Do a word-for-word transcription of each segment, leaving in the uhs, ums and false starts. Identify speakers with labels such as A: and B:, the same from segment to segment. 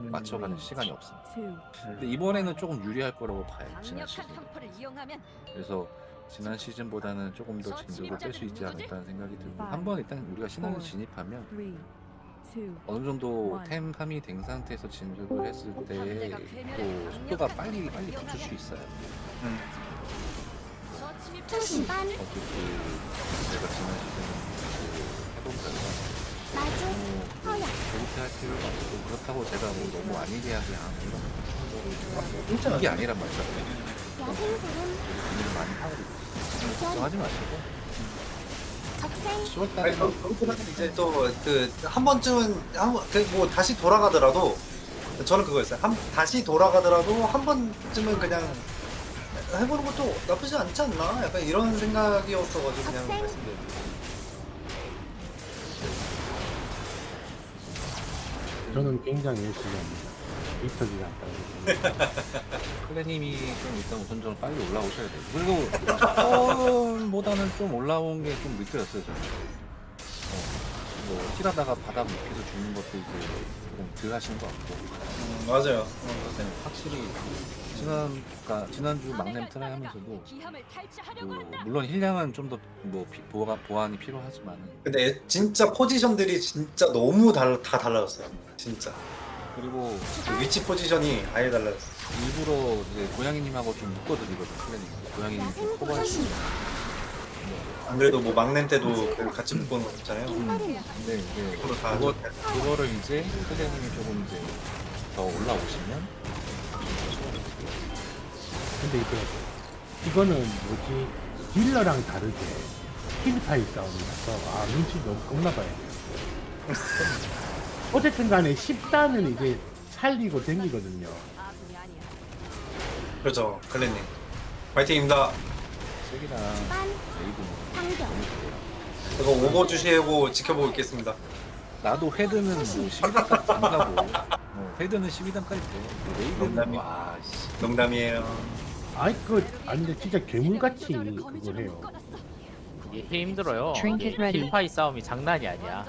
A: 맞춰가는 시간이 없습니다. 근데 이번에는 조금 유리할 거라고 봐요. 지난 시즌. 그래서 지난 시즌보다는 조금 더 진도를 뺄 수 있지 않을까라는 생각이 들고 한번 일단 우리가 신화를 진입하면 어느 정도 템 함이 된 상태에서 진입을 했을 때 또 속도가 빨리 빨리 붙을 수 있어요.
B: 음.
C: 초심반
A: 어쨌든 제가 지난 시즌 그 해본 결과
C: 마주 서약
A: 데이트 할 필요가 없고 그렇다고 제가 뭐 너무 안일하게 안 이런
B: 진짜
A: 이게 아니란 말이죠.
C: 야생구름
A: 고민을 많이 하고 있어요. 걱정하지 마시고
C: 적생
A: 시월
B: 아니,
A: 달에
B: 그- 그것보다는 이제 또 그 한 번쯤은 한번뭐 다시 돌아가더라도 저는 그거였어요. 한 다시 돌아가더라도 한 번쯤은 그냥 해보는 것도 나쁘지 않지 않나? 약간 이런 생각이었어가지고 그냥
C: 학생?
B: 말씀드렸어요.
D: 저는 굉장히 열심히 합니다. 이터지가 않다고.
A: 클레님이 좀 일단 우선적으로 빨리 올라오셔야 돼요. 그리고 처음보다는 좀 올라온 게 좀 느껴졌어요. 저는. 어, 뭐 힐하다가 바닥 밑에서 죽는 것도 이제 조금 덜 하신 것 같고
B: 음, 맞아요. 어,
A: 네, 확실히 지난 그러니까 지난주 막냄 트라이 하면서도 그, 물론 힐량은 좀 더 뭐 보완 보완이 필요하지만은
B: 근데 진짜 포지션들이 진짜 너무 달, 다 달라졌어요. 진짜
A: 그리고
B: 그 위치 포지션이 아예 달라졌어요.
A: 일부러 이제 고양이님하고 좀 묶어드리거든 클레님. 고양이님 좀 커버할 수 있는.
B: 안 그래도 뭐 막내 때도 그 같이 묶어놓은 거 있잖아요.
C: 깃발이야
A: 근데 이제
B: 그거 다
A: 그거
B: 좋다.
A: 그거를 이제 클레님이 조금 이제 더 올라오시면
D: 근데 이게 이거는 뭐지 딜러랑 다르게 힐파이 싸움이라서 아 눈치 너무 겁나 봐야 돼요. 어쨌든 간에 십 단은 이제 살리고 댕기거든요.
B: 그렇죠, 클랜님. 파이팅입니다.
A: 색이랑
C: 반
A: 레이드는
C: 상경
A: 너무 좋아요.
B: 제가 오버 주시고 지켜보고 있겠습니다.
A: 나도 헤드는 뭐 십이 단까지 안 가고 어, 헤드는 십이 단까지 돼. 레이드는
B: 농담이-
A: 와 씨.
B: 농담이에요.
D: 아이 그 아니 근데 진짜 괴물같이 그걸 해요.
E: 이게 힘들어요.
F: Trinket
E: 이게
F: ready.
E: 힐파이 싸움이 장난이 아니야.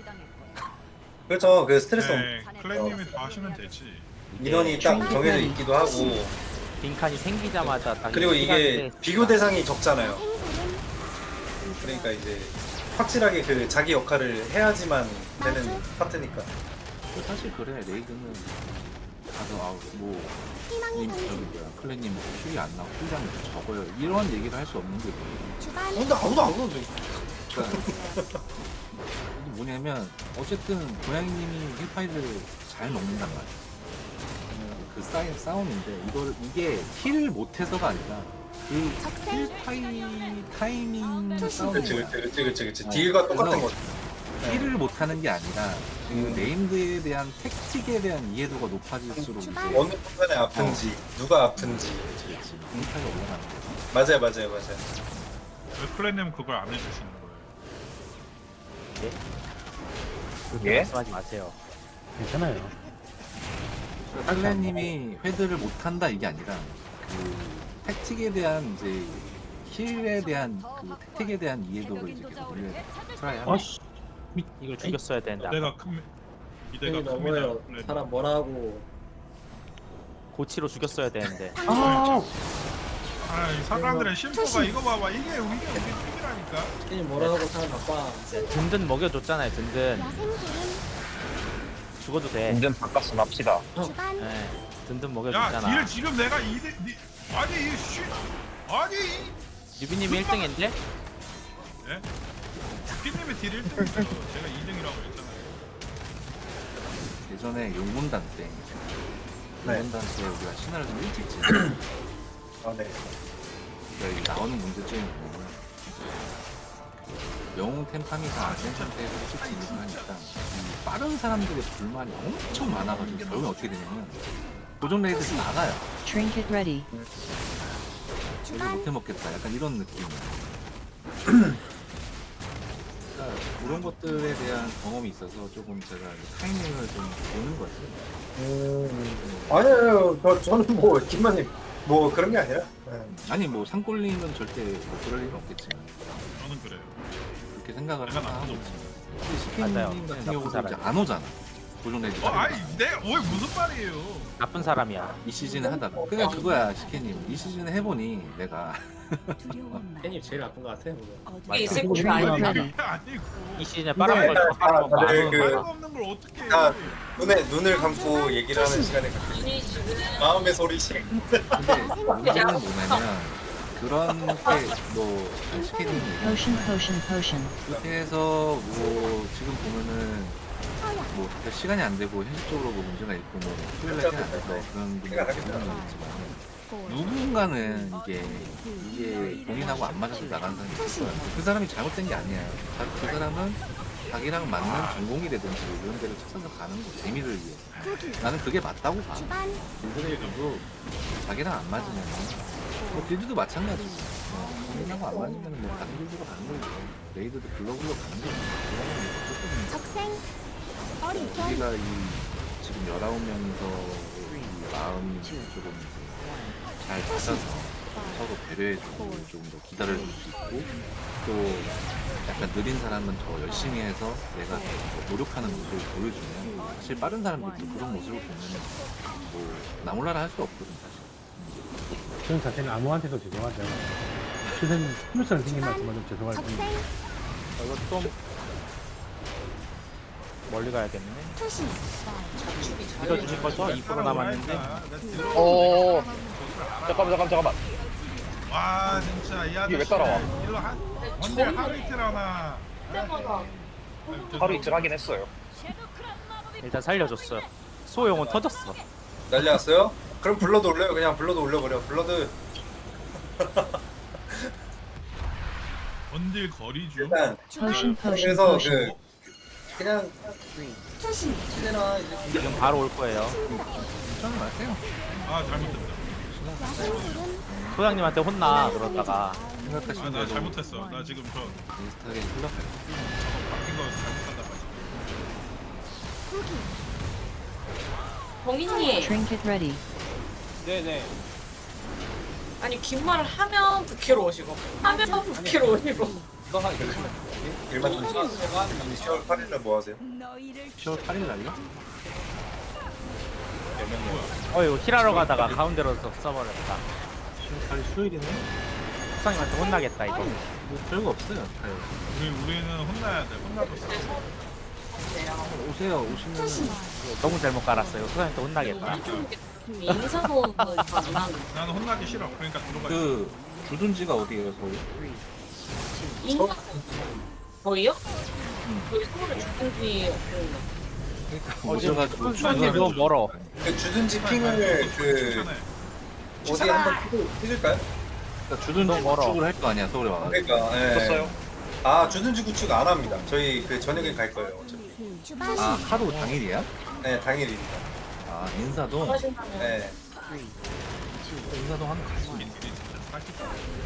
B: 그렇죠, 그 스트레스
G: 네, 클랜님이 다 하시면 되지.
B: 인원이 딱 정해져 있기도 하고
E: 빈칸이 생기자마자 딱
B: 그리고 이게
E: 시간대
B: 비교 대상이 적잖아요.
C: 생구름
B: 그러니까 이제 확실하게 그 자기 역할을 해야지만 되는 파트니까.
A: 그 사실 그래 레이드는 가서 아뭐
C: 희망의
A: 님 저기
C: 상징
A: 뭐야 클레님 뭐 힐이 안 나고 힐량이 적어요 이런 얘기를 할 수 없는 게 뭐예요.
C: 주반
B: 근데 아무도 안 그러는데.
A: 그러니까 이게 뭐냐면 어쨌든 고양이님이 힐파이를 잘 먹는단 말이야. 그 싸이 싸움인데 이거를 이게 힐을 못해서가 아니라 그
C: 적생
A: 힐파이 타이밍 싸움인
B: 그렇지,
A: 거야.
B: 그렇지, 그렇지, 그렇지, 그렇지.
A: 어,
B: 딜과 똑같은
A: 그래서
B: 거.
A: 힐을 못하는 게 아니라 그
B: 음.
A: 네임드에 대한 택틱에 대한 이해도가 높아질수록 이제
C: 주반.
B: 어느 순간에 아픈지, 누가 아픈지.
A: 그렇지 힐파이가 올라가는 거야.
B: 맞아요, 맞아요, 맞아요.
G: 왜 클랜님은 그걸 안 해주시는 거예요?
E: 그렇게 말씀하지 마세요.
D: 괜찮아요.
A: 클랜님이 회드를 못한다 이게 아니라 그 택틱에 대한 이제 힐에 대한 그 택틱에 대한 이해도를 이제 계속 올려야 돼. 트라이 하면.
D: 아씨
E: 이걸 죽였어야 되는데 아까.
G: 이대가 큰 이대가
H: 형이
G: 큽니다.
H: 너무해요.
G: 클랜님.
H: 사람 뭐라고.
E: 고치로 죽였어야 되는데.
D: 아
G: 아, 이 사람들의 심보가 이거 봐봐. 이게 이게 우리 팀이라니까.
H: 형이 뭐라고 사람 나빠.
E: 든든 먹여줬잖아요. 든든
C: 야생구름
E: 죽어도 돼.
I: 완전 바꿨으면 합시다.
C: 주반
E: 예, 든든
G: 야,
E: 먹여줬잖아.
G: 딜 지금 내가 이 대 니 아니 이 씨. 아니 이
E: 유비님이 일 등인데?
G: 예? 피님의 딜 일 등이죠. 제가 이 등이라고 했잖아요.
A: 예전에 용문단 때
B: 네.
A: 용문단 때 우리가 신화를 좀 일찍 지
B: 아, 네.
A: 그러니까 이게 나오는 문제점이 뭐냐면 그 영웅 템팜이 다 안 된 상태에서 일찍 진입을 하니까 이 빠른 사람들의 불만이 엄청 많아가지고 결국엔 어떻게 되냐면 고정 레이드에서 나가요.
F: Trinket ready.
A: 이거 못해 먹겠다 약간 이런 느낌. 그러니까 그런 것들에 대한 경험이 있어서 조금 제가 타이밍을 좀 보는 거죠.
B: 음, 아니에요. 저, 저는 뭐, 김만님, 뭐 그런 게 아니라. 네.
A: 아니 뭐 산골링은 절대 뭐 그럴 일은 없겠지만
G: 저는 그래요.
A: 그렇게 생각을
G: 내가
A: 하나 하고
G: 나쁜
A: 있지.
E: 맞아요.
A: 스피님 같은
E: 나쁜
A: 경우도 이제
E: 사람이야.
A: 안 오잖아. 고정 내지
G: 어, 아니 내가 왜 무슨 말이에요?
E: 나쁜 사람이야.
A: 이 시즌에 하다가 그냥 그거야 시케님 이 시즌에 해보니 내가
H: 팬이 제일 아픈 것 같아.
E: 맞아.
F: 있을
D: 그리고
F: 곳이
D: 이거
F: 아니야.
D: 하나.
G: 아니 이게 아니고
E: 이 시즌에 빠른 걸
B: 근데
E: 빠른 건
B: 다- 다들
E: 많은
B: 그-
E: 거야.
G: 말도 없는 걸 어떻게 해?
B: 자, 눈에 눈을 감고 얘기를 하는 시간을 갖고
F: 눈이 지금
B: 마음의 소리씩.
A: 근데 문제는 뭐냐면 그런 게뭐 시케님
I: Potion, potion, potion.
A: 그렇게 해서 뭐 지금 보면은
C: 서양
A: 뭐 시간이 안 되고 현실적으로 뭐 문제가 있고 뭐 토요일에 시간 안 돼서 그런 분들이 있지만 누군가는 이게 이게 본인하고 안 맞아서 나가는 사람이 있을 거야. 그 사람이 잘못된 게 아니에요. 자- 그 사람은 자기랑 맞는 전공이라든지 이런 데를 찾아서 가는 거 재미를 위해.
C: 후기
A: 나는 그게 맞다고 봐.
C: 주반
A: 인터넷도 자기랑 안 맞으면 뭐 빌드도 마찬가지고 어, 본인하고 안 맞으면 뭐 다른 빌드로 가는 거고 레이드도 글로벌로 가는 거고 그거는
C: 적생 어리견
A: 우리가 이 지금 열아홉 명이서 이 마음이 조금 잘 맞아서 서로 배려해주고 조금 더 기다려줄 수 있고 또 약간 느린 사람은 더 열심히 해서 내가 더 노력하는 모습을 보여주면 사실 빠른 사람들도 그런 모습을 보면 뭐 나몰라라 할 수 없거든 사실.
D: 저는 자체는 아무한테도 죄송하죠. 최선 스무스한 생긴 말씀만 좀 죄송할 뿐.
C: 적생
E: 이거 좀 멀리 가야겠네.
C: 투신
F: 축이
E: 이거
F: 잘
E: 주실 거죠? 이 퍼센트 남았는데.
G: 어.
J: 잠깐만 잠깐만 잠깐만
G: 와 진짜 이 아저씨
J: 이게 왜 따라와?
G: 일로 한 언제 하루 이틀 하나
F: 때마다
J: 하루 이틀 하긴 했어요.
E: 일단 살려줬어. 소용은 터졌어.
B: 난리 났어요? 그럼 블러드 올려요. 그냥 블러드 올려버려. 블러드
G: 언딜 거리 중
B: 일단
I: Potion, potion,
B: 그래서
I: potion.
B: 그 그냥
C: 투신
B: 시내나 이제
E: 지금 바로 올 거예요.
A: 걱정 마세요.
G: 아 잘못했다.
C: 야생들은
E: 소장님한테 혼나 그러다가
A: 생각하시는
G: 아 나
A: 대로
G: 잘못했어. 나 지금 저
A: 비슷하게 흘러가요.
G: 바뀐 거 잘못하다 봐.
C: 후기
F: 봉인님
I: Trinket ready.
J: 네네.
F: 아니 긴 말을 하면 부캐로 오시고 하면 부캐로 오시고
B: 너한 일만 좀 시월 팔 일날 뭐 하세요?
A: 시월 팔 일 날요?
E: 어휴 힐하러 가다가 가운데로 써- 써버렸다.
A: 시월 팔 일 수요일이네?
E: 소장님한테 혼나겠다 이거.
A: 뭐 별거 없어요. 가요.
G: 우리 우리는 혼나야 돼. 혼나줬어.
A: 오세요. 오시면
E: 너무 잘못 깔았어요. 소장님한테 혼나겠다.
F: 인사도 안 나는
G: 나는 혼나기 싫어. 그러니까 들어가.
A: 그 주둔지가 어디예요, 서울?
F: 인사 저희요? 저희 서울에 죽은 뒤 없는데
A: 그러니까
E: 어, 지금
A: 오셔가지고
E: 소장님 너무 멀어.
B: 그 주둔지 핑을 그
G: 추천해.
B: 어디 한번 피- 피실까요?
A: 그러니까 주둔지
E: 너무 멀어.
A: 구축을 할 거 아니야, 서울에 와가지고.
B: 그러니까 예.
J: 줬어요?
B: 아 주둔지 구축 안 합니다. 저희 그 저녁에 갈 거예요. 어차피.
C: 주반
A: 아 하루 당일이야?
B: 네 당일입니다.
A: 아 인사동?
F: 하신다면
B: 네.
A: 인사동 하면 가지.
G: 민들이 진짜 사기다.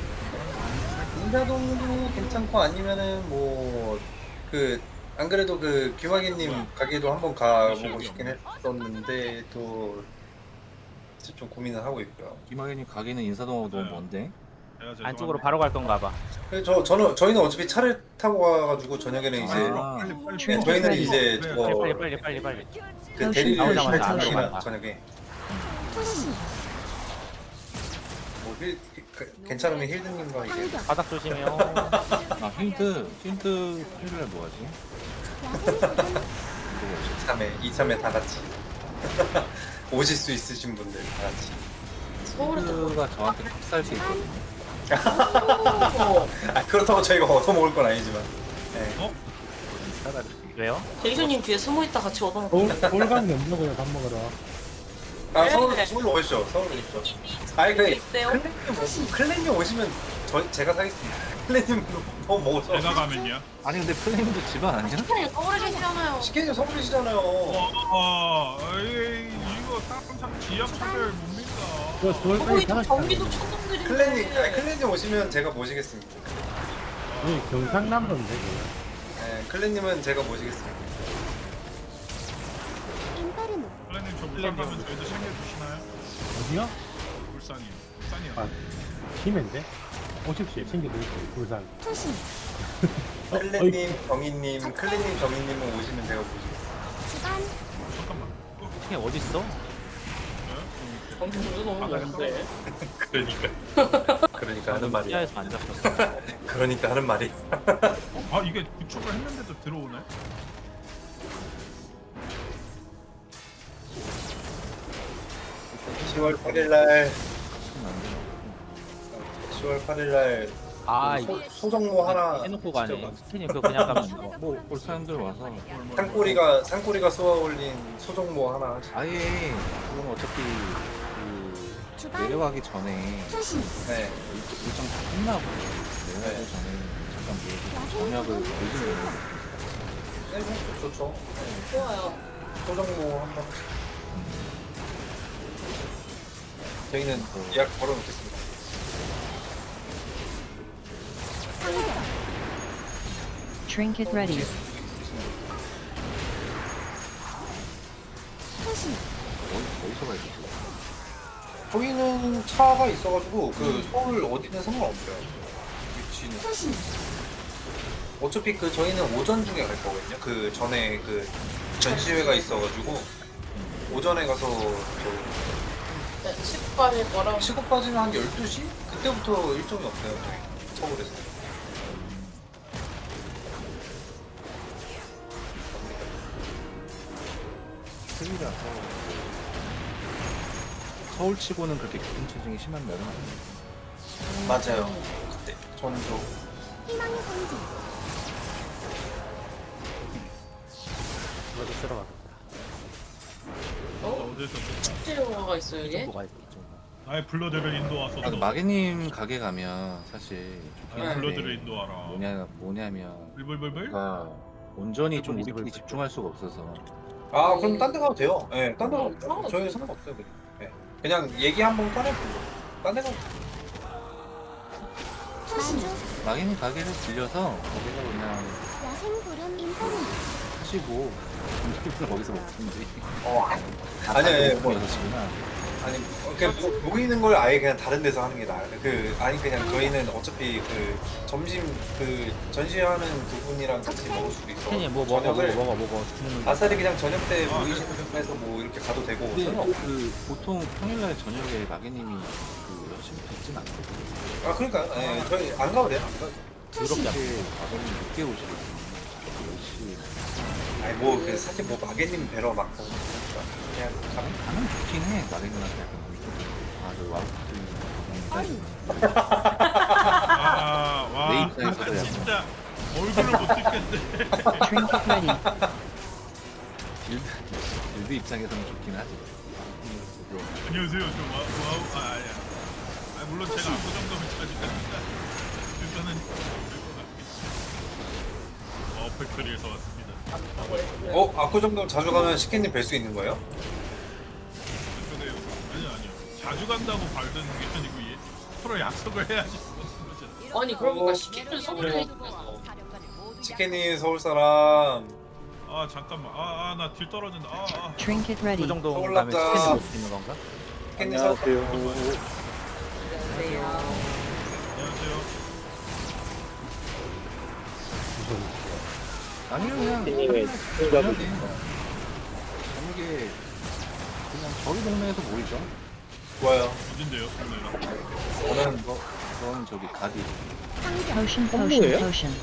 B: 인사동도 괜찮고 아니면은 뭐 그 안 그래도 그 김학의님 가게도 한번 가보고 싶긴 했었는데 또 좀 고민을 하고 있고요.
A: 김학현님 가게는 인사동하고 너무
G: 네.
A: 먼데.
G: 내가 죄송한데.
E: 안쪽으로 바로 갈 건가 봐.
B: 그래서 저 저는 저희는 어차피 차를 타고 가가지고 저녁에는 이제
A: 아.
G: 빨리 빨리.
B: 네, 저희는 이제
G: 그래,
B: 저거
E: 빨리 빨리 빨리 빨리.
B: 그 대리를
E: 나오자마자
B: 할
E: 안으로
B: 준비나
E: 간다.
B: 저녁에
C: 투신
B: 뭐 힐, 그, 괜찮으면 힐드님과 이제
C: 환경
E: 바닥 조심해요.
A: 아 힌트 힌트 토요일날 뭐하지?
C: 야생들은
B: 이참에 이참에 다 같이 오실 수 있으신 분들 다 같이.
F: 서울에도
A: 힌트가 저한테 값살 수 있거든요.
B: 아 그렇다고 저희가 얻어먹을 건 아니지만. 네.
A: 차라리.
E: 왜요?
F: 대리소님 뒤에 숨어있다 같이 얻어먹고
D: 서울 서울 가면 연락을 밥 먹으러.
B: 아 서울 서울로 오시죠. 서울로 오시죠. 아니 그
F: 있대요?
B: 클랜님 오- 클랜님 오시면 저 제가 사겠습니다. 클랜님 더 먹어서.
G: 내가 가면요.
A: 아니 근데 플레임도 집안 아니야?
F: 시간이 서울에 계시잖아요
B: 시계님 서울이시잖아요.
G: 와, 에이 이거 사람 참 지역차별 못 믿다.
D: 저 서울까지
F: 거의
D: 다
F: 경기도
D: 같이
F: 천둥들인데
B: 클랜님 아니, 클랜님 오시면 제가 모시겠습니다.
D: 네, 경상남도인데 그거.
B: 네, 클랜님은 제가 모시겠습니다.
C: 인페르노
G: 플랜님 저 부산 가면 저희도 챙겨주시나요?
D: 어디요?
G: 울산이요. 울산이요.
D: 아, 김해인데? 오십시오. 챙겨드릴게요. 부산.
C: 투신
D: 어, 어이,
B: 클랜님, 정희님, 클랜님, 정희님은 오시면 제가 모시겠습니다.
C: 주반
E: 치킨 어딨어?
F: 점수 너무 많은데.
B: 그러니까 그러니까 하는 말이
E: 시야에서 안 잡혔어.
B: 그러니까 하는 말이
G: 아 이게 구축을 했는데도 들어오네?
B: 시월 팔일날 시월 팔일날
E: 아
B: 소,
E: 이거
B: 소정모 하나
E: 해놓고 가네. 스캔이 그거 그냥 가면 이거.
A: 뭐볼 사람들 와서
B: 산꼬리가 산꼬리가 쏘아 올린 소정모 하나
A: 아예 그럼 어차피 그
C: 주반
A: 내려가기 전에
C: 투신
B: 네
A: 일- 일정 다 끝나고 내려가기
B: 네.
A: 전에 잠깐 모여서 저녁을 보시면
B: 네, 좋죠.
F: 좋아요.
B: 소정모 한번 저희는 예약 걸어놓겠습니다.
C: 상점
I: Trinket ready.
C: 투신
A: 어디, 어디서 가야 되지?
B: 저희는 차가 있어가지고 그 서울 어디든 상관없어요. 위치는
C: 투신
B: 어차피 그 저희는 오전 중에 갈 거거든요. 그 전에 그 전시회가 있어가지고 오전에 가서 저
F: 네, 시급할 거랑
B: 시급 빠지면 한 열두 시? 그때부터 일정이 없어요. 저희 서울에서.
A: 틀리라서 서울치고는 그렇게 교통체증이 심한 날은 아니에요.
B: 맞아요. 그때 저는 저
C: 희망의 상징
E: 이거도 쓰러 가겠다.
F: 어?
G: 어디서
F: 축제 영화가 있어요
E: 이
F: 이게?
E: 정도 가야 돼. 이 정도.
G: 나의 블러드를 인도하소서.
A: 아, 마개님 가게 가면 사실 좋긴
G: 나의 블러드를
A: 한데
G: 인도하라.
A: 뭐냐, 뭐냐면
G: 불불불불.
A: 제가 온전히 좀 우리끼리 집중할 수가 없어서
B: 아 그럼 딴 데 가도 돼요. 예, 네, 딴 데 가도 돼요.
F: 상관없어요.
B: 저희 상관없어요. 그냥. 네. 그냥 얘기 한번 꺼내보고 딴 데 가도 돼요.
C: 투신
A: 마개님 가게를 빌려서 거기서 그냥
C: 야생불은 인터넷
A: 하시고 점심을 거기서 먹든지
B: 어, 아니, 아니, 뭐,
A: 여섯 시구나.
B: 아니, 어, 그냥 모- 모이는 걸 아예 그냥 다른 데서 하는 게 나아요. 그, 아니, 그냥 저희는 어차피 그 점심 그 전시하는 두 분이랑 같이 먹을 수도 있어.
E: 스캔이 뭐 먹어 먹어
B: 저녁을
E: 먹어 먹어 죽는 거.
B: 아싸리 그냥 저녁 때
G: 아,
B: 모이시는 데서 뭐 이렇게 가도 되고.
A: 근데
B: 상관없어요.
A: 그 보통 평일날 저녁에 마개님이 그 여섯 시부터 있진 않거든요.
B: 아, 그러니까, 예, 저희 안 가도 돼요. 안 가도 돼요.
E: 더럽지 않아.
A: 마개님 늦게 오시거든요. 열 시.
B: 아니, 뭐, 그, 사실 뭐, 마개님 뵈러 막, 그냥, 가면
A: 가면 좋긴 해. 마개님한테 약간 뭐 아저 와우트
C: 어린
G: 아, 와.
A: 내 입장에서도 약간
G: 진짜 얼굴을 못 찍겠네.
I: Trinket ready.
A: 빌드, 빌드 입장에서는 좋긴 하지. 그래도
G: 안녕하세요. 저 와, 와우. 아, 아니야. 아, 물론 제가 아무 정도면 차지합니다. 일단은 어, 팩토리에서 왔습니다.
B: 어, 아쿠 정도 자주 가면 시키님 뵐 수 있는 거예요?
G: 근데 아니요, 아니요. 자주 간다고 발드는 게 아니고 얘 서로 약속을 해야지. 그거죠.
F: 아니 그러니까
B: 어,
F: 시키는 서울에
B: 그래.
F: 있어서
B: 치킨이 서울 사람.
G: 아, 잠깐만. 아, 아, 나 뒤 떨어진다. 아, 아.
I: Trinket
E: 그
I: ready.
E: 정도
B: 올랐다.
E: 가면 스캔이 못 쓰는 건가?
B: 치킨이 서울 사람.
F: 안녕하세요.
G: 안녕하세요.
A: 아니요 그냥 저녁에 저녁에 그냥 저희 동네에서 모이죠.
B: 좋아요.
G: 어딘데요? 오늘은?
B: 저는
A: 저, 저는 저기 가디
C: 상점
I: Potion, potion, potion.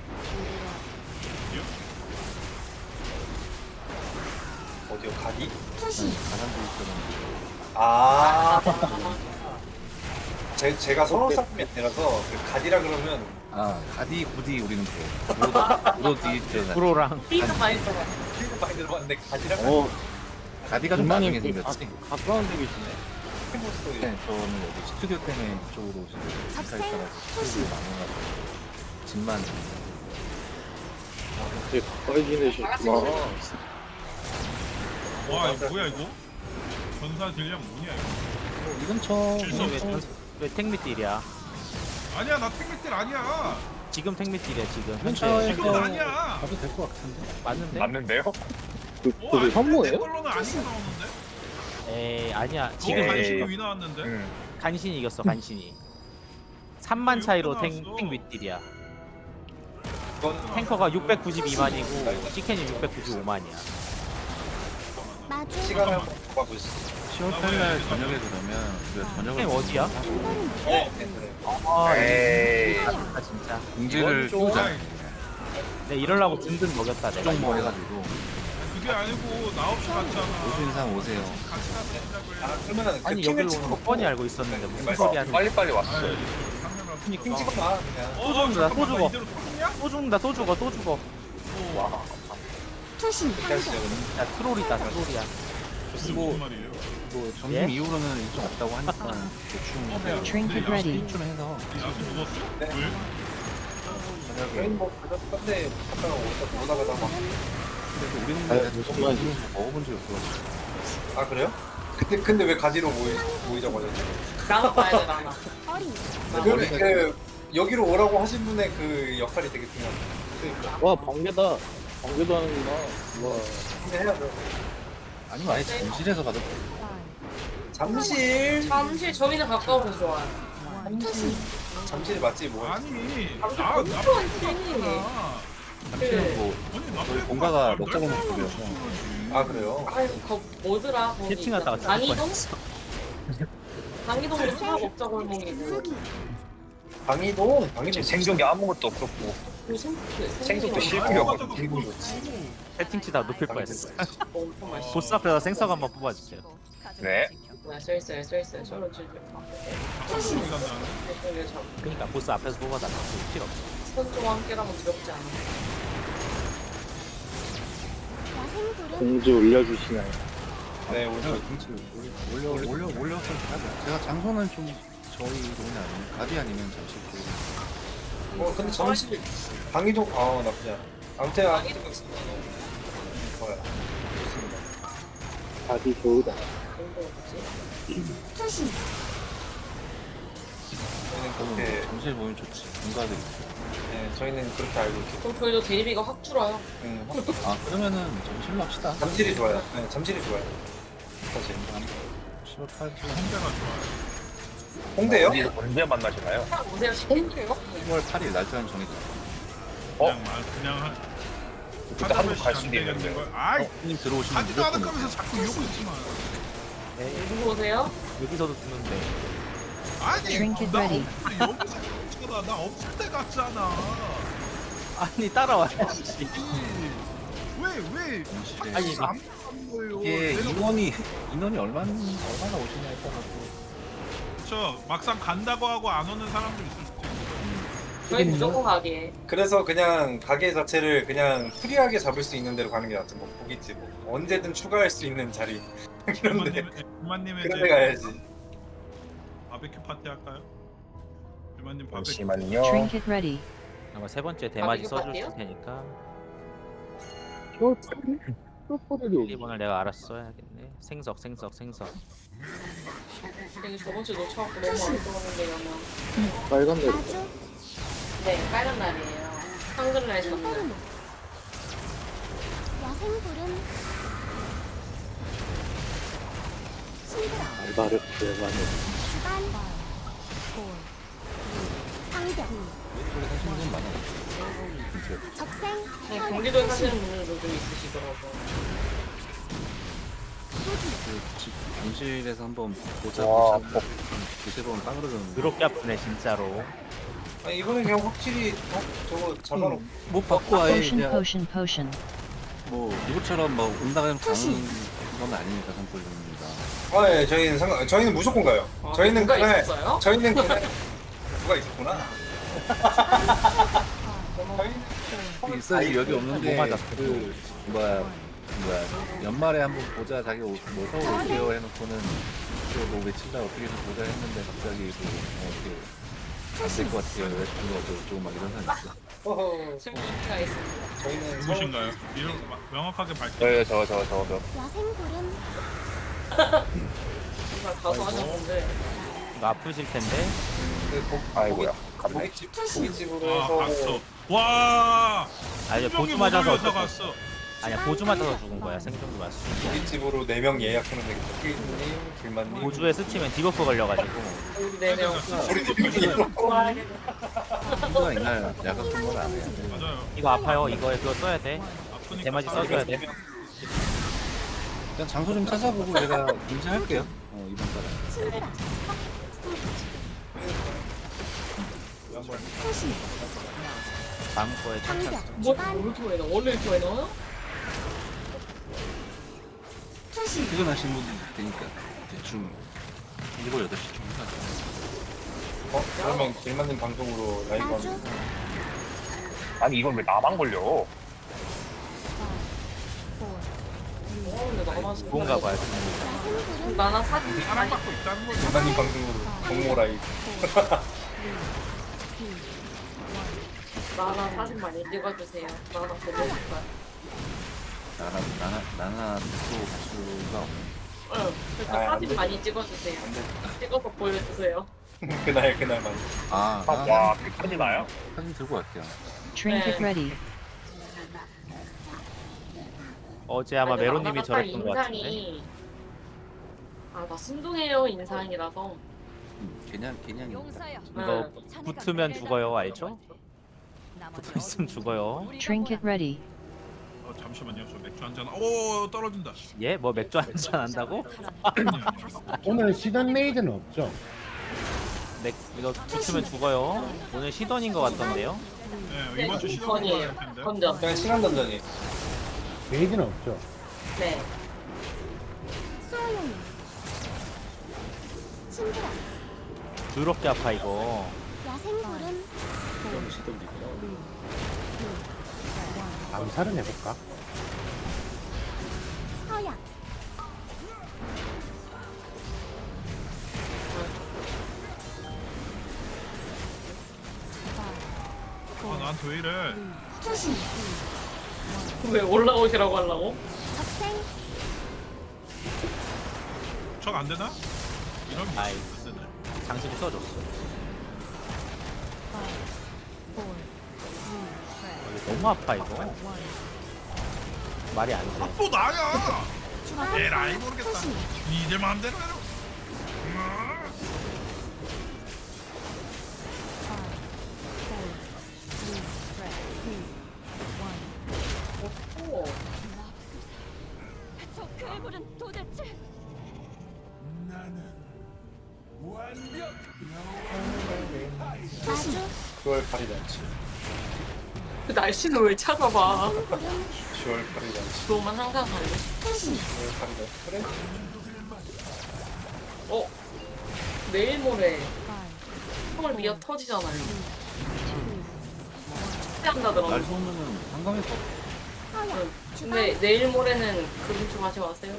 B: 어디요? 가디?
C: 투신
A: 가산도있처럼
B: 아. 제, 제가 서울 사람이 아니라서 그 가디라 그러면
A: 아 가디 구디 우리는 그 브로 브로 디있잖아.
E: 프로랑
F: 삐가 많이 들어가.
B: 필드 많이 들어봤는데 가디라
A: 어 가디가 좀 나중에 생겼지.
E: 가까운 데 계시네.
B: 스토리.
A: 네, 저는 여기 스튜디오 때문에 이쪽으로 오시고 회사 있다가 스튜디오 많아가지고 집만
G: 와, 이거 뭐야 이거? 전사 딜량 뭐냐 이거?
A: 뭐 이 근처
G: 질서
A: 이 근처
E: 왜 택미딜이야?
G: 아니야, 나 택미딜 아니야.
E: 지금 택미딜이야 지금.
A: 근처에서
G: 지금 아니야.
A: 가도 될 것 같은데.
E: 맞는데?
J: 맞는데요?
G: 어, 아니, 내 걸로는 아니고 나오는데?
E: 에이 아니야.
G: 지금
E: 지금
G: 간신히 위 나왔는데?
J: 응.
E: 간신히 이겼어 간신히. 삼만 차이로
G: 이렇게
E: 탱,
G: 나왔어.
E: 탱 윗딜이야.
B: 그건
E: 탱커가 육백구십이만이고 시켄이 육백구십오만이야.
C: 마주 마주
B: 시간을 한번 봐보고 있어.
A: 시월 팔 날 저녁에 그러면 우리가 저녁을
E: 선생님 어디야?
C: 인터넷
B: 네, 네, 그래.
E: 아
J: 에이.
E: 아 진짜.
A: 공지를
J: 이건 좀-
A: 띄우자.
E: 내 이럴라고 든든 먹였다 내가.
A: 정보 해가지고
G: 그게 아니고 나 없이 갔잖아.
A: 오수 인상 오세요.
G: 같이 가서 시작을
B: 아, 그러면은 그
E: 아니
B: 핑을
E: 여기로
B: 찍어
E: 오는 거 뻔히 알고 있었는데 무슨
J: 어,
E: 소리 하는 거야?
J: 빨리빨리 왔어요.
B: 핑 찍어봐 그냥.
G: 어,
E: 또 죽는다, 또 죽어.
G: 이대로 터지냐?
E: 또 죽는다 또 죽어 또 죽어.
J: 와.
C: 투신
B: 이렇게 하시죠
C: 상경
B: 그럼.
E: 야 트롤이다 트롤이야.
G: 무슨
A: 뭐,
G: 말이에요?
A: 뭐 점심
E: 예?
A: 이후로는 일정 없다고 하니까 대충
I: Trinket ready.
A: 일좀 해서
G: 야수 죽었어?
B: 네.
G: 왜?
B: 저희
A: 저녁에
B: 뭐 가족 건데 갔다가 오다 오다 가다가.
A: 그래도 우리는 무슨 말인지 먹어본 적이 없어.
B: 아 그래요? 근데 근데 왜 가지로 모이 모이자고 하셨죠?
F: 나가 봐야 돼 나가.
C: 어린
B: 그, 그 여기로 오라고 하신 분의 그 역할이 되게 중요합니다.
J: 와, 번개다. 번개도 하는구나. 와.
B: 근데 해야죠.
A: 아니면 아예 잠실에서 가도 돼.
B: 잠실.
F: 잠실 저희는 가까워서 좋아요.
C: 투신
B: 잠실 맞지 뭐.
G: 아니,
F: 잠실
G: 나, 나,
F: 엄청 팬이네.
G: 나.
A: 잠실은 뭐
G: 아니, 나
A: 저희
G: 빼고
A: 본가가
G: 나
A: 먹자고
G: 날
A: 먹자고여서.
B: 아 그래요?
F: 아유 거 뭐더라 거기.
E: 캐칭하다가 죽을
F: 강이동? 강이동으로 사 먹자 골목이고.
C: 후기
B: 방이동. 방이동
J: 지금 생존기 아무것도 없었고.
F: 그 생- 그
J: 생속도
F: 생선이
J: 실패였거든.
E: 채팅치다 눕힐 뻔했어.
F: 엄청 맛있어.
E: 보스 앞에서 생석 한번 뽑아주세요.
J: 네.
F: 뭐야 써 있어요 써 있어요 서로 주죠.
C: 투신
E: 그러니까 보스 앞에서 뽑아달라. 필요 없어.
F: 선조와 함께라면 두렵지 않아.
C: 야생불은
J: 공지 올려주시나요?
B: 네 오늘
A: 올려 올려 올려 올려서 하죠. 제가 장소는 좀 저희 동네 아니면 가디 아니면 잠실 쪽.
B: 어 근데 잠실 방이동 아 나쁘지 않아. 아무튼 방이동 좋아요. 좋습니다.
J: 아주 좋다.
C: 투신
B: 저희는
A: 저는
B: 그렇게
A: 뭐 잠실 모임 좋지. 본가들 있고.
B: 네 저희는 그렇게 알고 있죠.
F: 그럼 저희도 대리비가 확 줄어요.
B: 응.
A: 아 그러면은 잠실로 합시다.
B: 잠실이 좋아요. 네 잠실이 좋아요. 사실.
A: 시월 팔 일
G: 혼자가 좋아요.
B: 홍대요?
J: 언제, 언제 만나시나요?
F: 그냥 오세요 시켜드려요.
A: 시월 팔 일 날짜는 정해졌어.
J: 어?
G: 그냥 말, 그냥 한.
J: 그때 한국 갈 수도
G: 안 되겠는
J: 있는데.
G: 걸. 아이,
A: 형님 들어오시면
G: 하지도 않을
A: 무조건
G: 거면서 자꾸 이러고 있지 마.
F: 누구 오세요?
E: 여기서도 주는데.
G: 아니,
I: Trinket
G: 나
I: ready.
G: 없을 때 여기서 있잖아. 나 없을 때 갔잖아.
E: 아니 따라와야지.
G: 왜, 왜?
A: 잠실에.
E: 아니, 막-
G: 안 가는 거예요.
A: 이게
G: 내가
A: 인원이 인원이 얼마나 얼마나 오시냐에 따라서.
G: 그쵸. 막상 간다고 하고 안 오는 사람도 있을 수도 있고.
F: 저희 무조건 가게.
B: 그래서 그냥 가게 자체를 그냥 프리하게 잡을 수 있는 데로 가는 게 낫죠. 뭐 고깃집 뭐 언제든 추가할 수 있는 자리 이런데
G: 유만님의
B: 그런 데 가야지.
G: 바베큐 파티 할까요? 유만님 바베큐.
J: 잠시만요.
I: Trinket ready.
E: 아마 세 번째 대마지
F: 이거
E: 써줄
F: 같아요?
E: 테니까
J: 슈퍼레디
E: 일 번을 내가 알아서 써야겠네. 생석 생석 생석.
F: 여기 저번 주 놓쳐갖고 너무 아쉬웠는데 그러면.
J: 빨간 데
C: 마주
F: 네 빨간 날이에요. 한글날 전날.
C: 인페르노 야생불은 신드라
J: 알바르 대만에
C: 주간 상경
A: 왼쪽에 사시는 분 많아요. 근처에.
C: 적생
F: 네,
C: 현
F: 경기도에 사시는 분들도 좀 있으시더라고요.
C: 후기
A: 그 집 잠실에서 한번 보자
J: 와,
A: 보자. 두세 번 빠그러졌는데.
E: 그렇게 아프네 진짜로.
B: 아니 이번에 그냥 확실히 어 저거 잡아놓고
A: 음, 못 받고 아예
I: Potion,
A: 그냥
I: potion, potion.
A: 뭐 누구처럼 뭐 온다면 가는 건 아니니까 산골입니다.
B: 아예 저희는 상관 저희는 무조건 가요.
F: 아,
B: 저희는
F: 누가
B: 그날
F: 있었어요?
B: 저희는 그날 누가 있었구나. 저희는
A: 있어야지 여기 없는데
E: 뭐 맞았어?
A: 그 뭐야 뭐야 연말에 한번 보자 자기 오- 뭐 서울 올게요 해놓고는 또뭐 며칠 날 어떻게 해서 보자 했는데 갑자기 뭐 어떻게 안 될 것 같아요 여자친구가 어쩌고 막 이런 사람 있어.
B: 허허
F: 친구가 있습니다.
B: 저희는 서울
G: 누구신가요? 이름 마- 명확하게 밝혀.
J: 저요 저저 저 저.
C: 야생불은
F: 정말 가서 하셨는데.
E: 이거 아프실 텐데.
B: 그 고-
J: 아이고야.
B: 고깃- 고깃집 고깃집으로
G: 아,
B: 해서
G: 갔어.
B: 뭐
G: 와.
E: 아니
G: 수정이
E: 보주
G: 못
E: 맞아서
G: 올려서
E: 어떡해.
G: 갔어.
E: 아니야 보주 맞아서 죽은 거야. 생존기 맞어.
B: 고깃집으로 네 명 예약하면 되겠다. 피디님, 길만님.
E: 보주에 스치면 디버프 걸려가지고.
F: 우리 네 명.
B: 우리 대표님.
A: 친구가 이날 야간 근무를 안 해요.
G: 맞아요.
E: 이거 아파요. 이거에 그거 써야 돼.
G: 아프니까
E: 대마지
G: 사람이
E: 써줘야 돼.
A: 근데 일단 장소 좀 찾아보고 제가 인지할게요. 어, 이번 달에.
C: 친구라.
B: 한번
C: 소신.
E: 다음 거에
C: 방벽.
F: 뭐
C: 주반.
F: 이렇게 많이 넣어? 원래 이렇게 많이 넣어요?
C: 소신.
A: 퇴근하시는 분들 되니까 대충 일곱 여덟 시쯤 하죠.
B: 어? 그러면 길만님 방송으로 라이브
C: 나주.
B: 하면
J: 아니 이걸 왜 나만 걸려?
F: 어 근데 나만
E: 뭔가 봐요.
C: 야생불은
F: 나나 사진 많이
G: 사랑받고 있다는 거죠.
B: 길만님 방송으로 동모 라이브
F: 나나 사진 많이 찍어주세요. 나나 보고 싶어요.
A: 나나 나나 나나 또 가수가 없네.
F: 응. 그러니까
B: 아,
F: 사진
B: 안
F: 많이 찍어주세요.
B: 안돼
F: 찍어서 보여주세요.
B: 그날 그날만
A: 아,
J: 아,
A: 아
J: 와, 끝까지 나요?
A: 사진 들고 갈게요.
I: Trinket
F: 네.
I: ready.
E: 어제 아마
F: 아니,
E: 메로님이
F: 나나가
E: 저랬던
F: 딱
E: 것 같은데.
F: 인상이 아나 순둥해요 인상이라서.
A: 음, 그냥 그냥
E: 이거 붙으면 죽어요, 알죠? 붙어 있으면 죽어요.
I: Trinket ready.
G: 어, 잠시만요. 저 맥주 한 잔. 오 떨어진다.
E: 예? 뭐 맥주 한잔 한다고?
G: 아니, 아니, 아니.
D: 오늘 시던 레이드는 없죠?
E: 맥 이거 붙으면 죽어요. 오늘 시던인 것 같던데요.
G: 네, 이번 주 시도를
F: 건이에요.
G: 해야 할 텐데.
F: 건전.
B: 그냥 시간 던전이
D: 레이드는 없죠?
F: 네.
C: 수호용이. 친구라.
E: 더럽게 아파 이거.
C: 야생불은
D: 암살은 해볼까?
C: 서약.
G: 아, 나한테 왜 이래?
C: 소신.
F: 왜 올라오시라고 하려고?
C: 적생.
G: 척 안 되나? 이런 게
E: 아이.
G: 안 되네.
E: 장식을 써줬어. 어, 이거 너무 아파 이거. 말이 안 돼.
G: 또 나야.
C: 주반.
G: 에라이 모르겠다.
C: 소신.
G: 니들 마음대로 해라. 음.
F: 오.
C: 저 괴물은 도대체. 나주.
B: 구월 팔일 잔치
F: 그 날씨는 왜 찾아봐.
C: 야생불은
B: 시월 팔일 잔치
F: 그거만 항상 가네.
C: 소신.
B: 구월 팔일 잔치 그래?
F: 어? 내일 모레 헐 미어 터지잖아요.
A: 날
F: 한다더라고.
A: 쏘면은 한강에서
C: 서약.
F: 근데 내일 모레는 그림 좀 하지 마세요.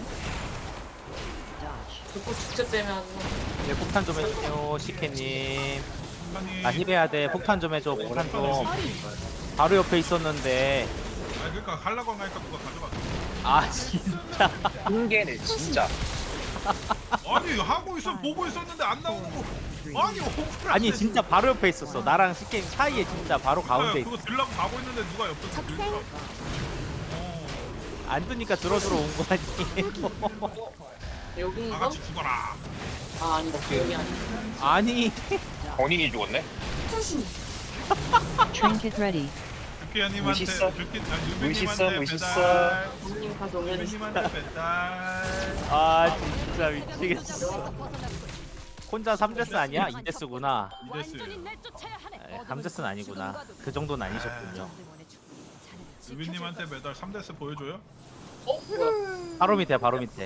F: 자꾸 축제 때문에 하는 거.
E: 네, 폭탄 좀 해주세요, 시케님.
G: 아니,
E: 나 힐해야 돼. 폭탄 좀 해줘. 폭탄 좀.
C: 어리.
E: 바로 옆에 있었는데.
G: 아니 그러니까 하려고 하니까 누가 가져갔어.
E: 아 진짜.
J: 한계네 진짜.
G: 아니 하고 있어 보고 있었는데 안 나오고. 아니 억울하네.
E: 아니 진짜 바로 옆에 있었어. 나랑 시케님 사이에 진짜 바로 가운데 있어.
G: 그거 들라고 가고 있는데 누가 옆에서
C: 적생.
G: 들더라고. 어,
E: 안 뜨니까 들어 들어 온 거 아니에요?
G: 다
F: 여긴가?
G: 같이 죽어라.
F: 아 아니다. 여기 아니야.
E: 아니.
J: 본인이 죽었네.
C: 소신.
I: Trinket ready.
G: 주키야님한테
J: 멋있어.
G: 주키 아,
J: 멋있어,
G: 유빈님한테
J: 멋있어.
G: 배달.
F: 부모님 가서 오면
G: 유빈님한테 배달.
E: 아 진짜 미치겠어. 혼자 삼 데스 아니야? 이 데스구나.
G: 이데스요.
E: 삼 데스는 아니구나. 그 정도는 아니셨군요.
G: 유빈님한테 배달 삼 데스 보여줘요?
F: 어? 뭐야?
E: 바로 밑에 바로 밑에.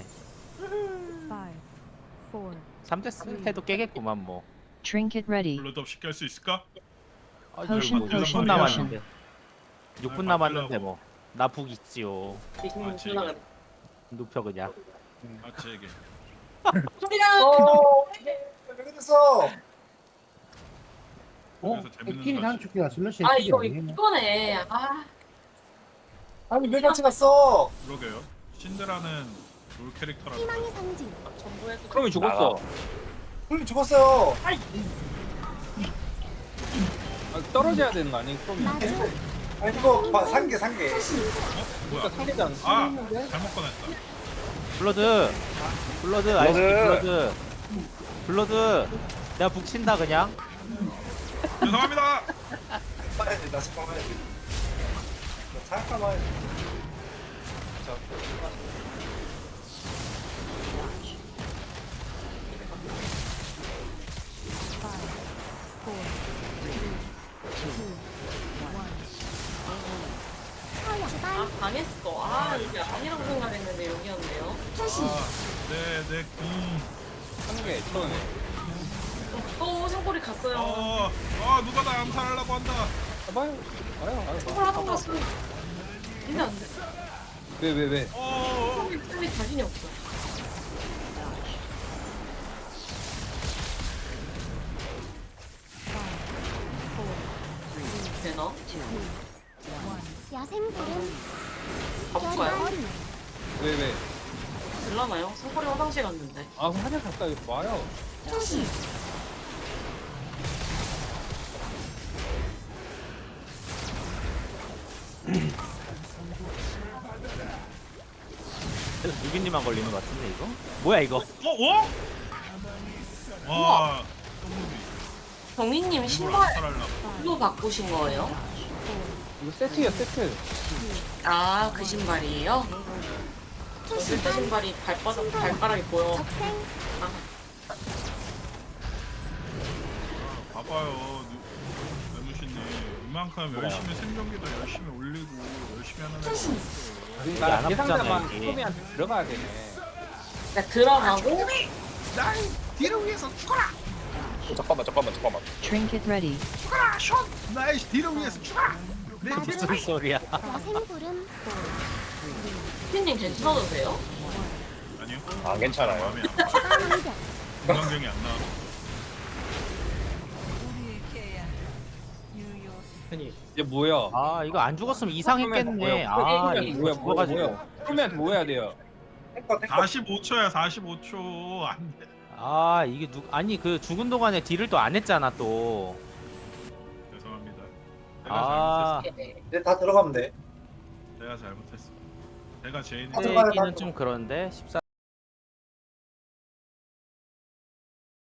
E: 삼 데스 해도 깨겠구만 뭐.
I: Trinket ready.
G: 블러드업 시킬 수 있을까?
E: 아,
I: Potion,
E: 육 분
I: potion,
E: 남았는데. 육 분
G: 아,
E: 남았는데 뭐. 나 북 있지요.
F: 지금
G: 아,
F: 전화가
E: 눕혀 그냥.
G: 아 제게.
F: 소리야.
B: 어 왜 그랬어
D: 어?
G: 그래서 재밌는
D: 끼리
G: 거지.
D: 단축기가 슬러시
F: 아
D: 끼리
F: 이거
D: 아니겠네.
F: 이거네. 아
B: 아니 왜 같이 갔어
G: 그러게요. 신드라는 롤 캐릭터라고.
C: 희망의 상징.
F: 전부 해도.
E: 그러면 죽었어.
B: 형님 죽었어요
E: 떨어져야 되는 거 아니에요?
C: 나주.
B: 아니 그거 봐, 산게 산게
C: 소신.
G: 뭐야?
E: 상대장.
G: 아 잘못 꺼냈다.
E: 블러드. 블러드 아이스
J: 블러드.
E: 블러드. 블러드. 내가 북 친다 그냥.
G: 죄송합니다.
B: 봐야지 나 잠깐 봐야지 나 잠깐 봐야지 자
F: 당했어. 아 이게 아니라고 생각했는데 여기였네요.
C: 투신.
G: 아내내 궁.
H: 한개 처음에.
F: 또 상골이 갔어요.
G: 어, 아 누가 나 암살하려고 한다.
H: 봐요. 봐요. 봐요.
F: 상골 하던 거 같으면 이면 안 돼.
H: 왜 왜 왜?
G: 어,
F: 상골이 상골이 자신이 없어. 되나?
C: 야생불은
F: 가볼까요?
C: 어린.
H: 왜 왜?
F: 될라나요? 상골이 화장실 갔는데.
H: 아 그럼 한약 가까이 와요.
C: 투신.
E: 그래서 누기님만 걸리는 것 같은데 이거? 뭐야 이거?
G: 어, 어? 와, 똥무비.
F: 경리님
G: 이걸
F: 신발
G: 암살하려고.
F: 로 바꾸신 거예요?
H: 이거 세트야 세트.
F: 아 그 신발이에요? 저 실제 신발이 발바닥 발가락이 보여.
C: 적생.
F: 아,
G: 봐봐요, 매무신님. 이만큼 열심히 생존기도 열심히 올리고 열심히 하는 애가
C: 투신.
E: 이게
H: 나
E: 안
H: 예상자만
E: 아프잖아 이게.
H: 소미한테 들어가야 되네.
F: 그러니까 들어가고
G: 날 뒤를 위해서 죽어라!
J: 어, 잠깐만 잠깐만 잠깐만.
I: Trinket ready.
G: 죽어라! 션! 나의 뒤를 위해서 죽어라! 내 뒤를
E: 무슨 소리야?
C: 야생불은
F: 피님 괜찮으세요?
G: 아니요.
J: 안 괜찮아요.
G: 마음이 안 봐.
C: 사이다.
G: 건강경이 안 나와.
H: 아니 이제 뭐야?
E: 아 이거 안 죽었으면 이상했겠네. 아 이거
H: 뭐야 뭐야
E: 죽어가지고.
H: 뭐야? 소미한테 뭐 해야 돼요?
G: 사십오 초야, 사십오 초. 안 돼.
E: 아 이게 누 아니 그 죽은 동안에 딜을 또 안 했잖아 또.
G: 죄송합니다. 제가
E: 아
G: 잘못했어.
B: 이제 다 들어가면 돼.
G: 제가 잘못했어. 제가 죄인이.
B: 아, 들어가요, 다
E: 얘기는 좀 그런데 십사.